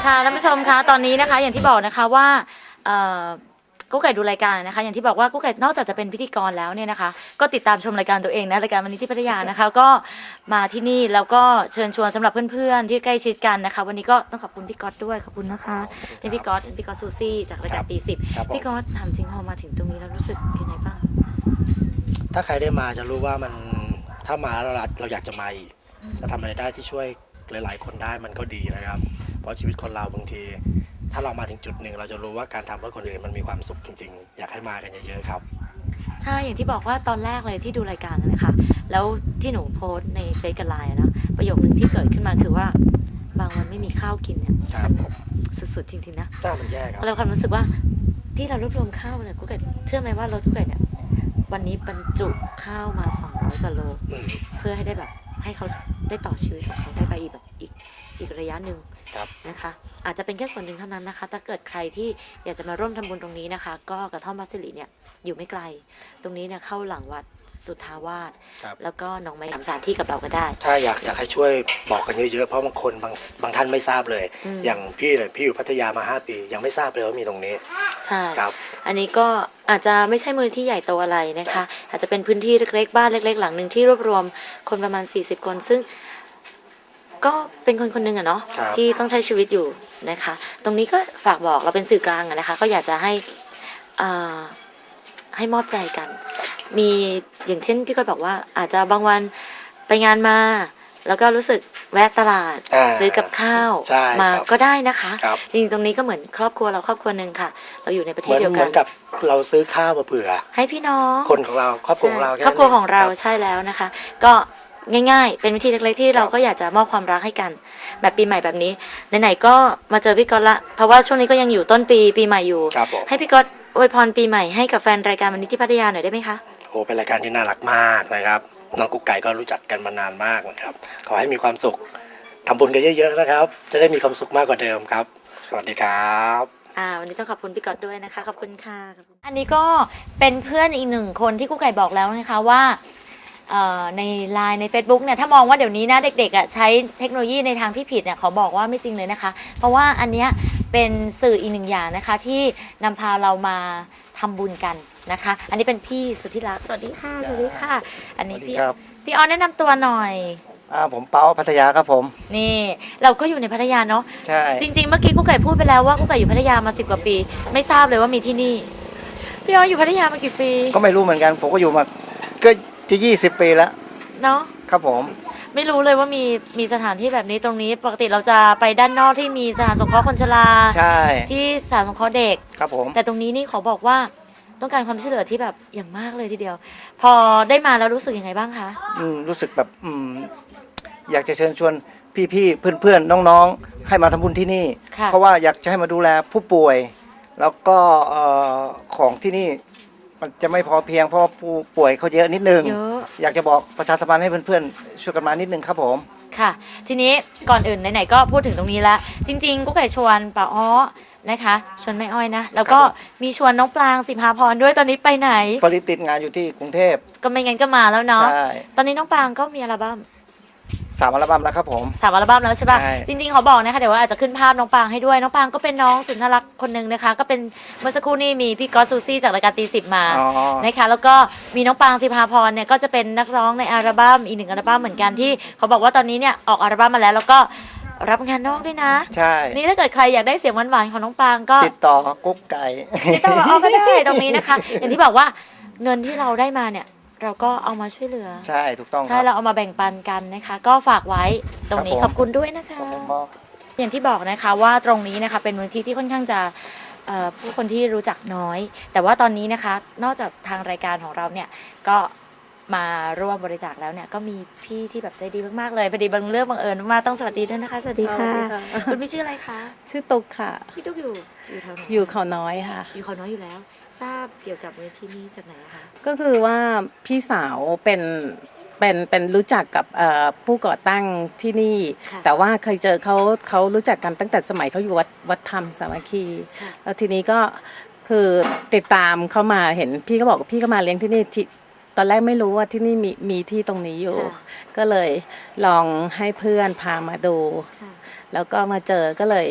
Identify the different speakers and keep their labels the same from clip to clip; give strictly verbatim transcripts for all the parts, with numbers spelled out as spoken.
Speaker 1: ค่ะท่านผู้ชมคะตอนนี้นะคะอย่างที่บอกนะคะว่ากุ๊กไก่ดูรายการนะคะอย่างที่บอกว่ากุ๊กไก่นอกจากจะเป็นพิธีกรแล้วเนี่ยนะคะก็ติดตามชมรายการตัวเองนะรายการวันนี้ที่พัทยานะคะก็มาที่นี่แล้วก็เชิญชวนสำหรับเพื่อนๆที่ใกล้ชิดกันนะคะวันนี้ก็ต้องขอบคุณพี่ก๊อตด้วยขอบคุณนะคะนี่พี่ก๊อตพี่ก๊อตซูซี่จากรายการตีสิบพี่ก๊อตถามจริงพอมาถึงตรงนี้แล้วรู้สึกยังไงบ้าง
Speaker 2: ถ้าใครได้มาจะรู้ว่ามันถ้ามาแล้วเราอยากจะมาอีกจะทำอะไรได้ที่ช่วยหลายๆคนได้มันก็ดีนะครับเพราะชีวิตคนเราบางทีถ้าเรามาถึงจุดหนึ่งเราจะรู้ว่าการทำเพื่อคนอื่นมันมีความสุขจริงๆอยากให้มากันเยอะๆครับ
Speaker 1: ใช่อย่างที่บอกว่าตอนแรกเลยที่ดูรายการนะคะแล้วที่หนูโพสในเฟซกับไลน์นะประโยคนึงที่เกิดขึ้นมาคือว่าบางวันไม่มีข้าวกินเนี่ยสุดๆจริงๆนะ
Speaker 2: น่ามันแย่ครับ
Speaker 1: เราความรู้สึกว่าที่เรารวบรวมข้าวเนี่ยกุ๊กไก่เชื่อไหมว่าเรากุ๊กไก่เนี่ยวันนี้บรรจุข้าวมาสองร้อยกว่าโลเพื่อให้ได้แบบให้เขาได้ต่อชีวิตของเขาได้ไปอีกแบบอีกอีกระยะหนึ่งนะคะอาจจะเป็นแค่ส่วนหนึ่งเท่านั้นนะคะถ้าเกิดใครที่อยากจะมาร่วมทำบุญตรงนี้นะคะก็กระท่อมบัสสิริเนี่ยอยู่ไม่ไกลตรงนี้เนี่ยเข้าหลังวัดสุทธาวาสแล้วก็น้องไม้ทำสถานที่กับเราก็ได้
Speaker 2: ถ้าอยากอยากให้ช่วยบอกกันเยอะๆเพราะบางคนบางบางท่านไม่ทราบเลยอย่างพี่เนี่ยพี่อยู่พัทยามาห้าปียังไม่ทราบเลยว่ามีตรงนี้
Speaker 1: ใช่ครับอันนี้ก็อาจจะไม่ใช่มูลที่ใหญ่โตอะไรนะคะอาจจะเป็นพื้นที่เล็กๆบ้านเล็กๆหลังหนึ่งที่รวบรวมคนประมาณสี่สิบคนซึ่งก็เป็นคนคนหนึ่งอะเนาะที่ต้องใช้ชีวิตอยู่นะคะตรงนี้ก็ฝากบอกเราเป็นสื่อกลางอะนะคะก็อยากจะให้อ่าให้มอบใจกันมีอย่างเช่นพี่ก็บอกว่าอาจจะบางวันไปงานมาแล้วก็รู้สึกแวะตลาดซื้อกับข้าวมาก็ได้นะคะจริงๆตรงนี้ก็เหมือนครอบครัวเราครอบครัวหนึ่งค่ะเราอยู่ในประเทศเดียวกัน
Speaker 2: เหมือนกับเราซื้อข้าวมาเผื่อ
Speaker 1: ให้พี่น้อง
Speaker 2: คนของเราครอบครัวของเรา
Speaker 1: ครอบครัวของเราใช่แล้วนะคะก็ง่ายๆเป็นวิธีเล็กๆที่เราก็อยากจะมอบความรักให้กันแบบปีใหม่แบบนี้ไหนๆก็มาเจอพี่ก๊อตละเพราะว่าช่วงนี้ก็ยังอยู่ต้นปีปีใหม่อยู่ให้พี่ก๊อตอวยพรปีใหม่ให้กับแฟนรายการวันนี้ที่พัทยาหน่อยได้ไหมคะ
Speaker 2: โอ้เป็นรายการที่น่ารักมากนะครับน้องกุ๊กไก่ก็รู้จักกันมานานมากนะครับขอให้มีความสุขทำบุญกันเยอะๆนะครับจะได้มีความสุขมากกว่าเดิมครับสวัสดีครับ
Speaker 1: อ่าวันนี้ต้องขอบคุณพี่ก๊อตด้วยนะคะขอบคุณค่ะอันนี้ก็เป็นเพื่อนอีกหนึ่งคนที่กุ๊กไก่บอกแล้วนะคะว่าในไลน์ใน Facebook เนี่ยถ้ามองว่าเดี๋ยวนี้นะเด็กๆอ่ะใช้เทคโนโลยีในทางที่ผิดเนี่ยขอบอกว่าไม่จริงเลยนะคะเพราะว่าอันเนี้ยเป็นสื่ออีกหนึ่งอย่างนะคะที่นำพาเรามาทำบุญกันนะคะอันนี้เป็นพี่สุทธิรักษ์สวัสดีค่ะสวัสดีค่ะอันนี้พี่พี่ออนแนะนำตัวหน่อย
Speaker 3: อ่าผมเปาพัทยาครับผม
Speaker 1: นี่เราก็อยู่ในพัทยาเนาะ
Speaker 3: ใช่
Speaker 1: จริงๆเมื่อกี้กุ๊กไก่พูดไปแล้วว่ากุ๊กไก่อยู่พัทยามาสิบกว่าปีไม่ทราบเลยว่ามีที่นี่พี่ออนอยู่พัทยามากี่ปี
Speaker 3: ก็ไม่รู้เหมือนกันผมก็อยู่มาก็จะยี่สิบปีแล้ว
Speaker 1: เนาะ
Speaker 3: ครับผม
Speaker 1: ไม่รู้เลยว่ามีมีสถานที่แบบนี้ตรงนี้ปกติเราจะไปด้านนอกที่มีสถานสงเคราะห์คนชรา
Speaker 3: ใช่
Speaker 1: ที่สถานสงเคราะห์เด็ก
Speaker 3: ครับผม
Speaker 1: แต่ตรงนี้นี่ขอบอกว่าต้องการความช่วยเหลือที่แบบอย่างมากเลยทีเดียวพอได้มาแล้วรู้สึกยังไงบ้างคะ
Speaker 3: อืมรู้สึกแบบอืมอยากจะเชิญชวนพี่ๆเพื่อนๆน้องๆให้มาทำบุญที่นี่เพราะว่าอยากจะให้มาดูแลผู้ป่วยแล้วก็ของที่นี่มันจะไม่พอเพียงเพราะผู้ป่วยเขาเยอะนิดนึงอยากจะบอกประชาสัมพันธ์ให้เพื่อนๆช่วยกันมานิดนึงครับผม
Speaker 1: ค่ะทีนี้ก่อนอื่นไหนๆก็พูดถึงตรงนี้แล้วจริงๆกุ๊กไก่ชวนป้าอ้อนะคะชวนแม่อ้อยนะแล้วก็มีชวนน้องปลางสิภาพรด้วยตอนนี้ไปไหน
Speaker 3: พอดีติดงานอยู่ที่กรุงเทพ
Speaker 1: ก็ไม่งั้นก็มาแล้วเนาะตอนนี้น้องปลางก็มีอัลบั้ม
Speaker 3: สามอัลบั้มแล้วครับผม
Speaker 1: สามอัลบั้มแล้วใช่ป่ะจริงๆเขาบอกนะคะเดี๋ยวว่าอาจจะขึ้นภาพน้องปางให้ด้วยน้องปางก็เป็นน้องสุดน่ารักคนนึงนะคะก็เป็นเมื่อสักครู่นี้มีพี่ก๊อตซูซี่จากรายการตีสิบมานะคะแล้วก็มีน้องปางสิภาพรเนี่ยก็จะเป็นนักร้องในอัลบั้มอีกหนึ่งอัลบั้มเหมือนกันที่เขาบอกว่าตอนนี้เนี่ยออกอัลบั้มมาแล้วแล้วก็รับงานนอกด้วยนะ
Speaker 3: ใช่
Speaker 1: นี่ถ้าเกิดใครอยากได้เสียงหวานๆของน้องปางก็
Speaker 3: ติดต่อกุ๊กไก่
Speaker 1: ติดต่อเอาก็ได้ตรงนี้นะคะอย่างที่บอกว่าเงินที่เราได้มาเนี่ยเราก็เอามาช่วยเหลือ
Speaker 3: ใช่ถูกต้อง
Speaker 1: ใช่เราเอามาแบ่งปันกันนะคะก็ฝากไว้ตรงนี้ขอบคุณด้วยนะคะอย่างที่บอกนะคะว่าตรงนี้นะคะเป็นมูลนิธิที่ค่อนข้างจะผู้คนที่รู้จักน้อยแต่ว่าตอนนี้นะคะนอกจากทางรายการของเราเนี่ยก็มาร่วมบริจาคแล้วเนี่ยก็มีพี่ที่แบบใจดีมากๆเลยพอดีบังเรื่องบังเอิญมากต้องสวัสดีด้วยนะคะสวัสดีค่ะคุณพี่ชื่ออะไรคะ
Speaker 4: ชื่อตุ๊กค่ะ
Speaker 1: พี่ตุ๊กอยู่อยู่แถวไหน
Speaker 4: อยู่เขาน้อยค่ะ
Speaker 1: อยู่เขาน้อยอยู่แล้วทราบเกี่ยวกับมูลนิธินี้จากไหนคะ
Speaker 4: ก็คือว่าพี่สาวเป็นเป็นเป็นรู้จักกับผู้ก่อตั้งที่นี่แต่ว่าเคยเจอเขาเขารู้จักกันตั้งแต่สมัยเขาอยู่วัดวัดธรรมสามัคคีแล้วทีนี้ก็คือติดตามเขามาเห็นพี่ก็บอกพี่ก็มาเลี้ยงที่นี่ตอนแรกไม่รู้ว่าที่นี่มีมีที่ตรงนี้อยู่ก็เลยลองให้เพื่อนพามาดูแล้วก็มาเจอก็เลย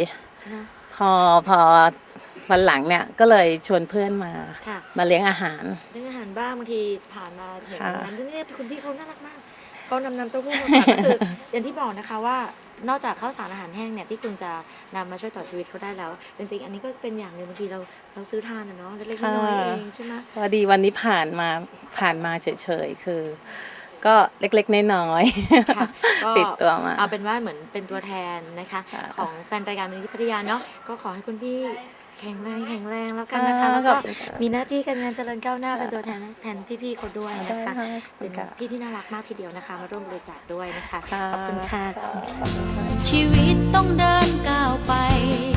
Speaker 1: นะ
Speaker 4: พอพอวันหลังเนี่ยก็เลยชวนเพื่อนมา
Speaker 1: ค่ะ
Speaker 4: มาเลี้ยงอาหาร
Speaker 1: เรื่องอาหารบ้างบางทีผ่านมาเห็น
Speaker 4: ค่ะ
Speaker 1: ร้านที่นี่คุณพี่เขาน่ารักมากเขานำน้ำเต้าหู้มาฝากก็คือ อย่างที่บอกนะคะว่านอกจากข้าวสารอาหารแห้งเนี่ยที่คุณจะนำมาช่วยต่อชีวิตเขาได้แล้วจริงๆอันนี้ก็เป็นอย่างหนึ่งบางทีเราเราซื้อทานอะเนาะเล็กๆน้อยๆเองใช่ไหม
Speaker 4: พอดีวันนี้ผ่านมาผ่านมาเฉยๆคือ ก็เล็กๆน้อย
Speaker 1: ค่ะก็
Speaker 4: ๆติดตัวมา
Speaker 1: เอาเป็นว่าเหมือนเป็นตัวแทนนะคะ
Speaker 4: ค่ะ
Speaker 1: ของแฟนรายการมูลนิธิพัทยาเนาะก็ขอให้คุณพี่แข็งแรงแข็งแรงแล้วกันนะคะ
Speaker 4: ค่ะ
Speaker 1: แล้วก็
Speaker 4: ขอบคุณค่ะ
Speaker 1: มีหน้าที่การงานเจริญก้าวหน้าเป็นตัวแทนแทนพี่ๆเขาด้วยนะคะ
Speaker 4: ได้ค่ะ
Speaker 1: เป็นพี่ที่น่ารักมากทีเดียวนะคะมาร่วมบริจาคด้วยนะคะ
Speaker 4: ค่ะ
Speaker 1: ขอบคุณค่ะ
Speaker 5: ชีวิตต้องเดินก้าวไป